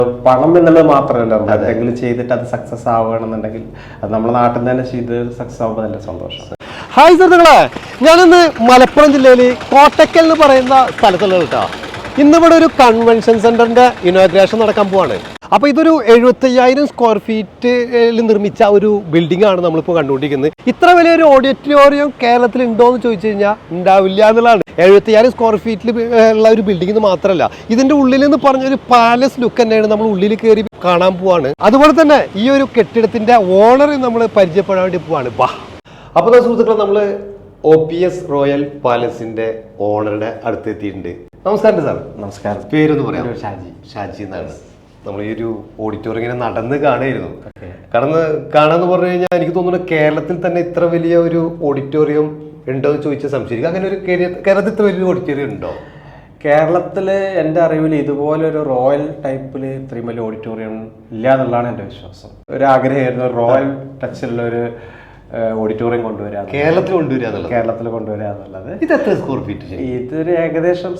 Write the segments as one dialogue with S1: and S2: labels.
S1: പണം എന്നുള്ളത് മാത്രമല്ല, എന്തെങ്കിലും ചെയ്തിട്ട് അത് സക്സസ് ആവുകയാണെന്നുണ്ടെങ്കിൽ അത് നമ്മുടെ നാട്ടിൽ നിന്ന് തന്നെ ചെയ്ത് സക്സസ് ആവുമ്പോൾ നല്ല സന്തോഷം.
S2: ഹായ് സുഹൃത്തുക്കളെ, ഞാനിന്ന് മലപ്പുറം ജില്ലയിൽ കോട്ടക്കൽ എന്ന് പറയുന്ന സ്ഥലത്തുള്ള കേട്ടോ. ഇന്നിവിടെ ഒരു കൺവെൻഷൻ സെന്ററിന്റെ ഇനോഗ്രേഷൻ നടക്കാൻ പോവാണ്. അപ്പോൾ ഇതൊരു 75,000 സ്ക്വയർ ഫീറ്റിൽ നിർമ്മിച്ച ഒരു ബിൽഡിംഗ് ആണ് നമ്മളിപ്പോൾ കണ്ടുകൊണ്ടിരിക്കുന്നത്. ഇത്ര വലിയൊരു ഓഡിറ്റോറിയം കേരളത്തിൽ ഉണ്ടോ എന്ന് ചോദിച്ചു കഴിഞ്ഞാൽ ഉണ്ടാവില്ല എന്നുള്ളതാണ്. 75,000 സ്ക്വയർ ഫീറ്റിൽ ഉള്ള ഒരു ബിൽഡിംഗ് എന്ന് മാത്രമല്ല, ഇതിന്റെ ഉള്ളിൽ എന്ന് പറഞ്ഞൊരു പാലസ് ലുക്ക് തന്നെയാണ് നമ്മൾ ഉള്ളിൽ കയറി കാണാൻ പോവാണ്. അതുപോലെ തന്നെ ഈ ഒരു കെട്ടിടത്തിന്റെ ഓണർ നമ്മൾ പരിചയപ്പെടാൻ വേണ്ടി പോവാണ്. അപ്പോൾ സുഹൃത്തുക്കളെ, നമ്മൾ OPS റോയൽ പാലസിന്റെ ഓണറുടെ അടുത്ത് എത്തിയിട്ടുണ്ട്. നമസ്കാരം സാർ.
S1: നമസ്കാരം.
S2: പേരൊന്ന് പറയാം.
S1: ഷാജി
S2: എന്നാണ്. നമ്മൾ ഈ ഒരു ഓഡിറ്റോറിയം ഇങ്ങനെ നടന്ന് കാണായിരുന്നു. കാണാന്ന് പറഞ്ഞു കഴിഞ്ഞാൽ എനിക്ക് തോന്നുന്നു കേരളത്തിൽ തന്നെ ഇത്ര വലിയ ഒരു ഓഡിറ്റോറിയം ഉണ്ടോ എന്ന് ചോദിച്ചാൽ സംശയിക്കും. അങ്ങനെ ഒരു കേരളത്തിൽ ഇത്ര വലിയ ഓഡിറ്റോറിയം ഉണ്ടോ?
S1: കേരളത്തില് എൻ്റെ അറിവിൽ ഇതുപോലെ ഒരു റോയൽ ടൈപ്പിൽ ഇത്രയും വലിയ ഓഡിറ്റോറിയം ഇല്ല എന്നുള്ളതാണ് എൻ്റെ വിശ്വാസം. ഒരു ആഗ്രഹമായിരുന്നു റോയൽ ടച്ചിലുള്ള ഒരു ഓഡിറ്റോറിയം കൊണ്ടുവരിക, കേരളത്തിൽ കൊണ്ടുവരിക എന്നുള്ളത്.
S2: ഇത് എത്ര സ്ക്വയർ ഫീറ്റ്?
S1: ഇതൊരു ഏകദേശം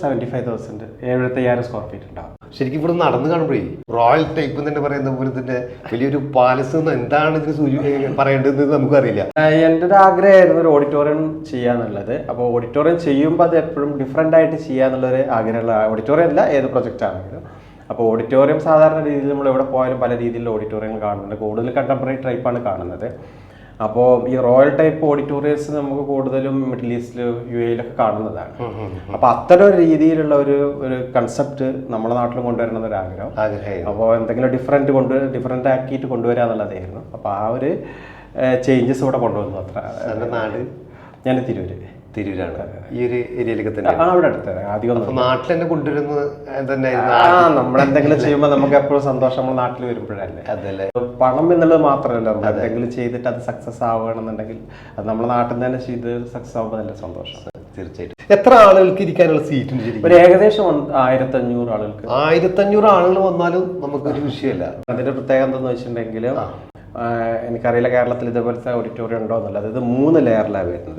S1: 75,000 സ്ക്വയർ ഫീറ്റ് ഉണ്ടാവും.
S2: ശരിക്കും ഇവിടെ നടന്ന് കാണുമ്പോഴേ റോയൽ ടൈപ്പ് തന്നെ പറയുന്ന പോലെ തന്നെ വലിയൊരു പാലസ് എന്താണ് ഇതിന് പറയേണ്ടത് നമുക്കറിയില്ല.
S1: എൻ്റെ ഒരു ആഗ്രഹമായിരുന്നു ഒരു ഓഡിറ്റോറിയം ചെയ്യാന്നുള്ളത്. അപ്പോൾ ഓഡിറ്റോറിയം ചെയ്യുമ്പോൾ അത് എപ്പോഴും ഡിഫറെൻ്റ് ആയിട്ട് ചെയ്യാന്നുള്ളൊരു ആഗ്രഹമുള്ള ഓഡിറ്റോറിയം അല്ല, ഏത് പ്രൊജക്റ്റ് ആണെങ്കിലും. അപ്പോൾ ഓഡിറ്റോറിയം സാധാരണ രീതിയിൽ നമ്മൾ എവിടെ പോയാലും പല രീതിയിലുള്ള ഓഡിറ്റോറിയങ്ങൾ കാണുന്നുണ്ട്. കൂടുതൽ കണ്ടംപററി ടൈപ്പാണ് കാണുന്നത്. അപ്പോൾ ഈ റോയൽ ടൈപ്പ് ഓഡിറ്റോറിയംസ് നമുക്ക് കൂടുതലും മിഡിൽ ഈസ്റ്റിൽ UAE കാണുന്നതാണ്. അപ്പോൾ അത്തരം ഒരു രീതിയിലുള്ള ഒരു കൺസെപ്റ്റ് നമ്മുടെ നാട്ടിലും കൊണ്ടുവരണം എന്നൊരു ആഗ്രഹം. അപ്പോൾ എന്തെങ്കിലും ഡിഫറെൻ്റ് ആക്കിയിട്ട് കൊണ്ടുവരിക എന്നുള്ളതായിരുന്നു. അപ്പോൾ ആ ഒരു ചേഞ്ചസ് ഇവിടെ കൊണ്ടുവന്നു. അത്ര.
S2: നാട്
S1: ഞാൻ തിരൂരാണ്.
S2: ഈ ഒരു ഏരിയയിലേക്ക് തന്നെ
S1: അവിടെ അടുത്ത് ആദ്യം
S2: നാട്ടിൽ തന്നെ കൊണ്ടുവരുന്നത് തന്നെ.
S1: നമ്മളെന്തെങ്കിലും ചെയ്യുമ്പോൾ നമുക്ക് എപ്പോഴും സന്തോഷം നമ്മൾ നാട്ടിൽ വരുമ്പോഴല്ലേ.
S2: അതല്ലേ,
S1: പണം എന്നുള്ളത് മാത്രമല്ല, എന്തെങ്കിലും ചെയ്തിട്ട് അത് സക്സസ് ആവുകയാണെന്നുണ്ടെങ്കിൽ അത് നമ്മുടെ നാട്ടിൽ നിന്ന് തന്നെ ചെയ്ത് സക്സസ് ആവുമ്പോൾ നല്ല സന്തോഷം.
S2: തീർച്ചയായിട്ടും. എത്ര ആളുകൾക്ക് ഇരിക്കാനുള്ള സീറ്റ് ഉണ്ട്?
S1: ഒരു ഏകദേശം 1,500 ആളുകൾക്ക്.
S2: 1,500 ആളുകൾ വന്നാലും നമുക്കൊരു വിഷയമല്ല.
S1: അതിന്റെ പ്രത്യേകത എന്താണെന്ന് വെച്ചിട്ടുണ്ടെങ്കിൽ, എനിക്കറിയില്ല കേരളത്തിൽ ഇതേപോലത്തെ ഓഡിറ്റോറിയം ഉണ്ടോ എന്നുള്ളത്. ഇത് 3 ലെയറിലാണ് വരുന്നത്.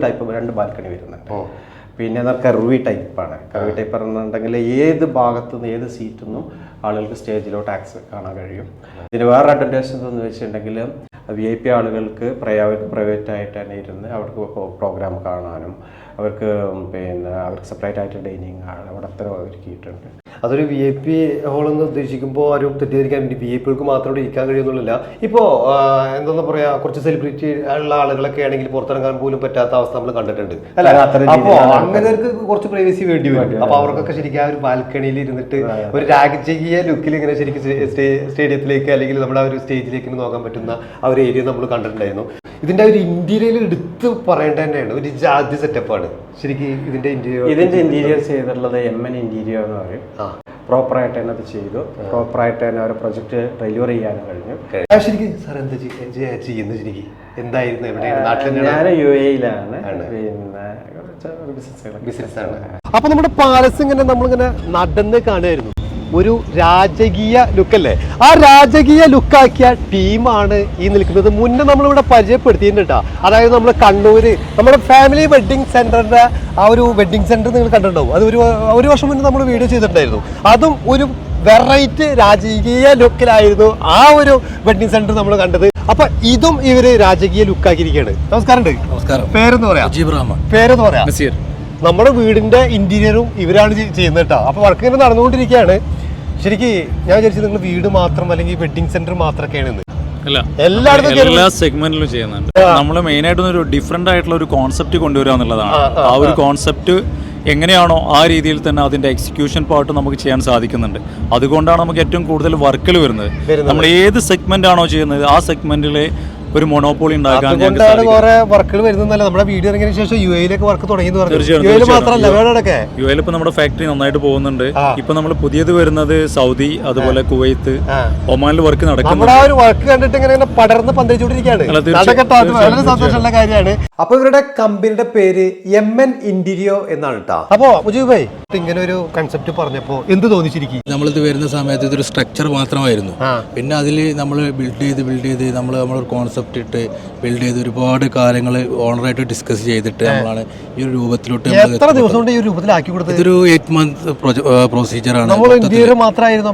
S1: 2 ബാൽക്കണി വരുന്നുണ്ട്. പിന്നെ കർവി ടൈപ്പാണ്. കർവി ടൈപ്പ് പറഞ്ഞിട്ടുണ്ടെങ്കിൽ ഏത് ഭാഗത്തു നിന്ന് ഏത് സീറ്റിൽ നിന്നും ആളുകൾക്ക് സ്റ്റേജിലോട്ട് ആക്സസ് കാണാൻ കഴിയും. ഇതിന് വേറെ അഡ്വാൻറ്റേജ് എന്ന് വെച്ചിട്ടുണ്ടെങ്കിൽ VIP ആളുകൾക്ക് പ്രൈവറ്റ് ആയിട്ട് തന്നെ ഇരുന്ന് അവർക്ക് പ്രോഗ്രാം കാണാനും അവർക്ക് സെപ്പറേറ്റ് ആയിട്ട് ഡൈനിങ് അവിടെ അത്ര ഒരുക്കിയിട്ടുണ്ട്.
S2: അതൊരു VIP ഹോൾ എന്ന് ഉദ്ദേശിക്കുമ്പോൾ ആരും തെറ്റിദ്ധരിക്കാൻ വേണ്ടി VIPകൾക്ക് മാത്രം ഇവിടെ ഇരിക്കാൻ കഴിയുന്നില്ല. ഇപ്പോൾ എന്താ പറയാ, കുറച്ച് സെലിബ്രിറ്റി ഉള്ള ആളുകളൊക്കെ ആണെങ്കിൽ പുറത്തിറങ്ങാൻ പോലും പറ്റാത്ത അവസ്ഥ നമ്മൾ കണ്ടിട്ടുണ്ട്. അപ്പോൾ അങ്ങനെയൊക്കെ കുറച്ച് പ്രൈവസി വേണ്ടി വരും. അപ്പോൾ അവർക്കൊക്കെ ശരിക്കും ആ ഒരു ബാൽക്കണിയിൽ ഇരുന്നിട്ട് ഒരു രാജകീയ ലുക്കിൽ ഇങ്ങനെ ശരിക്കും സ്റ്റേഡിയത്തിലേക്ക് അല്ലെങ്കിൽ നമ്മുടെ ആ ഒരു സ്റ്റേജിലേക്ക് നോക്കാൻ പറ്റുന്ന ആ ഒരു ഏരിയ നമ്മൾ കണ്ടിട്ടുണ്ടായിരുന്നു. ഇതിന്റെ ഒരു ഇന്റീരിയർ എടുത്ത് പറയേണ്ട തന്നെയാണ്. ഒരു ജാതി സെറ്റപ്പാണ് ശരിക്കും ഇതിന്റെ
S1: ഇന്റീരിയർ ചെയ്തിട്ടുള്ളത് MN ഇന്റീരിയർ എന്ന് പറയും. പ്രോപ്പറായിട്ട് തന്നെ അത് ചെയ്തു. പ്രോപ്പറായിട്ട് തന്നെ ഒരു പ്രൊജക്ട് ഡെലിവറി ചെയ്യാനും കഴിഞ്ഞു.
S2: ശരിക്കും സാർ എന്താ ചെയ്യുന്നത്? ശരിക്കും എന്തായിരുന്നു? എവിടെയാണ്? നാട്ടിൽ
S1: ഞാൻ UAE-യിലാണ്.
S2: ബിസിനസ്സാണ്. അപ്പൊ നമ്മുടെ പാലസ് ഇങ്ങനെ നമ്മളിങ്ങനെ നടന്ന് കാണുമായിരുന്നു. ഒരു രാജകീയ ലുക്കല്ലേ? ആ രാജകീയ ലുക്കാക്കിയ ടീമാണ് ഈ നിൽക്കുന്നത്. മുന്നേ നമ്മളിവിടെ പരിചയപ്പെടുത്തിയിട്ടുണ്ട്. അതായത് നമ്മൾ കണ്ണൂര് നമ്മുടെ ഫാമിലി വെഡ്ഡിങ് സെന്ററിന്റെ ആ ഒരു വെഡ്ഡിങ് സെന്റർ നിങ്ങൾ കണ്ടിട്ടുണ്ടാവും. അത് ഒരു വർഷം മുന്നേ നമ്മൾ വീഡിയോ ചെയ്തിട്ടുണ്ടായിരുന്നു. അതും ഒരു വെറൈറ്റി രാജകീയ ലുക്കിലായിരുന്നു ആ ഒരു വെഡ്ഡിങ് സെന്റർ നമ്മൾ കണ്ടത്. അപ്പൊ ഇതും ഇവര് രാജകീയ ലുക്കാക്കിയിരിക്കുകയാണ്. നമസ്കാരം. പേരെന്ന് പറയാം? പേരെന്ന് പറയാം? നമ്മുടെ വീടിന്റെ ഇന്റീരിയറും ഇവരാണ് ചെയ്യുന്നത് കേട്ടോ. അപ്പൊ വർക്ക് ഇങ്ങനെ നടന്നുകൊണ്ടിരിക്കുകയാണ്. ശരിക്കും ഞാൻ വിചാരിച്ചത് നിങ്ങൾ വീട് മാത്രം അല്ലെങ്കിൽ വെഡ്ഡിംഗ് സെന്റർ മാത്രമൊക്കെയാണ്.
S3: എല്ലാ സെഗ്മെന്റിലും ചെയ്യുന്നുണ്ട്. നമ്മൾ മെയിൻ ആയിട്ട് ഒരു ഡിഫറെന്റ് ആയിട്ടുള്ള ഒരു കോൺസെപ്റ്റ് കൊണ്ടുവരിക എന്നുള്ളതാണ്. ആ ഒരു കോൺസെപ്റ്റ് എങ്ങനെയാണോ ആ രീതിയിൽ തന്നെ അതിന്റെ എക്സിക്യൂഷൻ പാർട്ട് നമുക്ക് ചെയ്യാൻ സാധിക്കുന്നുണ്ട്. അതുകൊണ്ടാണ് നമുക്ക് ഏറ്റവും കൂടുതൽ വർക്കുകൾ വരുന്നത്. നമ്മൾ ഏത് സെഗ്മെന്റ് ആണോ ചെയ്യുന്നത് ആ സെഗ്മെന്റിലെ ഒരു മൊണോപോളി ഉണ്ടാക്കാൻ
S2: കുറെ വർക്കുകൾ വരുന്നല്ല. നമ്മുടെ വീഡിയോ ഇറങ്ങിയതിനു ശേഷം UAE-യിലേക്ക് വർക്ക് തുടങ്ങി. UAE-യിൽ
S3: ഇപ്പൊ നമ്മുടെ ഫാക്ടറി നന്നായിട്ട് പോകുന്നുണ്ട്. ഇപ്പൊ നമ്മൾ പുതിയത് വരുന്നത് സൗദി, അതുപോലെ കുവൈത്ത്, ഒമാനിൽ വർക്ക് നടക്കുന്നുണ്ട്.
S2: വർക്ക് കണ്ടിട്ട് ഇങ്ങനെ പടർന്ന് പന്തലിച്ചുകൊണ്ടിരിക്കുകയാണ്. വളരെ സന്തോഷമുള്ള കാര്യമാണ്. അപ്പൊ ഇവരുടെ കമ്പനിയുടെ പേര് MN ഇന്റീരിയോ എന്നാണ് കേട്ടോ. അപ്പൊ മുജീബ് ഭായ്, ഇങ്ങനെ ഒരു കൺസെപ്റ്റ് പറഞ്ഞപ്പോ എന്ത് തോന്നിച്ചിരിക്കും?
S4: നമ്മളിത് വരുന്ന സമയത്ത് ഇതൊരു സ്ട്രക്ചർ മാത്രമായിരുന്നു. പിന്നെ അതിൽ നമ്മൾ ബിൽഡ് ചെയ്ത് നമ്മളൊരു കോൺസെപ്റ്റ് ഇട്ട് ബിൽഡ് ചെയ്ത് ഒരുപാട് കാര്യങ്ങൾ ഓണറായിട്ട് ഡിസ്കസ് ചെയ്തിട്ട് നമ്മളാണ് ഈ ഒരു രൂപത്തിലോട്ട്.
S2: എത്ര ദിവസം കൊണ്ട് ഈ രൂപത്തിലാക്കി കൊടുത്തത്?
S4: ഇതൊരു 8 month പ്രൊസീജിയറാണ്.
S2: ഇന്റീരിയർ മാത്രമായിരുന്നു.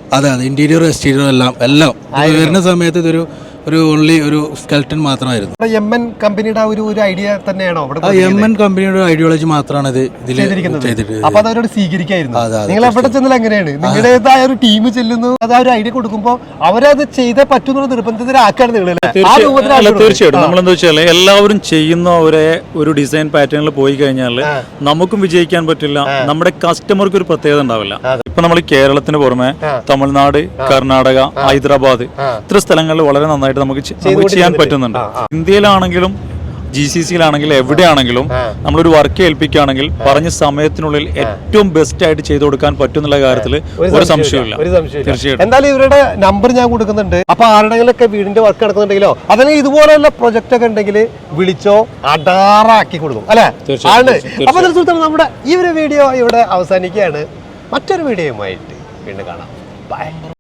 S4: അതെ അതെ, ഇന്റീരിയർ എക്സ്റ്റീരിയർ എല്ലാം വരുന്ന സമയത്ത് ഇതൊരു ഓൺലി ഒരു സ്കെൽട്ടൻ മാത്രമായിരുന്നു.
S2: MN കമ്പനിയുടെ ഒരു ഐഡിയ തന്നെയാണോ
S4: ആ MN കമ്പനിയുടെ ഐഡിയോളജി മാത്രമാണ് ഇത് ഇതിൽ ചെയ്തിട്ട്.
S2: അപ്പൊ അതവരോട് സ്വീകരിക്കായിരുന്നു. നിങ്ങൾ എവിടെ ചെന്നാൽ എങ്ങനെയാണ് നിങ്ങളുടേതായ ഒരു ടീം ചെല്ലുന്നു, അത് ആ ഒരു ഐഡിയ കൊടുക്കുമ്പോൾ അവരത് ചെയ്തേ പറ്റുന്ന നിർബന്ധത്തിലാക്കാണ് നിങ്ങൾ.
S3: തീർച്ചയായിട്ടും നമ്മളെന്താ വെച്ചാൽ എല്ലാവരും ചെയ്യുന്ന ഒരു ഡിസൈൻ പാറ്റേണിൽ പോയി കഴിഞ്ഞാൽ നമുക്കും വിജയിക്കാൻ പറ്റില്ല, നമ്മുടെ കസ്റ്റമർക്ക് ഒരു പ്രത്യേകത ഉണ്ടാവില്ല. ഇപ്പൊ നമ്മൾ കേരളത്തിന് പുറമെ തമിഴ്നാട്, കർണാടക, ഹൈദരാബാദ് ഇത്ര സ്ഥലങ്ങളിൽ വളരെ നന്നായിട്ട് നമുക്ക് ചെയ്യാൻ പറ്റുന്നുണ്ട്. ഇന്ത്യയിലാണെങ്കിലും GCCയിലാണെങ്കിലും എവിടെയാണെങ്കിലും നമ്മളൊരു വർക്ക് ഏൽപ്പിക്കുകയാണെങ്കിൽ പറഞ്ഞ സമയത്തിനുള്ളിൽ ഏറ്റവും ബെസ്റ്റ് ആയിട്ട് ചെയ്തു കൊടുക്കാൻ പറ്റുന്നുള്ള കാര്യത്തിൽ ഒരു സംശയമില്ല. തീർച്ചയായിട്ടും.
S2: എന്തായാലും ഇവരുടെ നമ്പർ ഞാൻ കൊടുക്കുന്നുണ്ട്. അപ്പൊ ആരുടെങ്കിലൊക്കെ വീടിന്റെ വർക്ക് നടക്കുന്നുണ്ടെങ്കിലോ അല്ലെങ്കിൽ ഇതുപോലെയുള്ള പ്രൊജക്ട് ഒക്കെ ഉണ്ടെങ്കിൽ വിളിച്ചോ, അടാറാക്കി കൊടുക്കും അല്ലെ ആണ്. അപ്പൊ നമ്മുടെ ഈ ഒരു വീഡിയോ ഇവിടെ അവസാനിക്കുകയാണ്. മറ്റൊരു വീഡിയോയുമായിട്ട് വീണ്ടും കാണാം. ബൈ.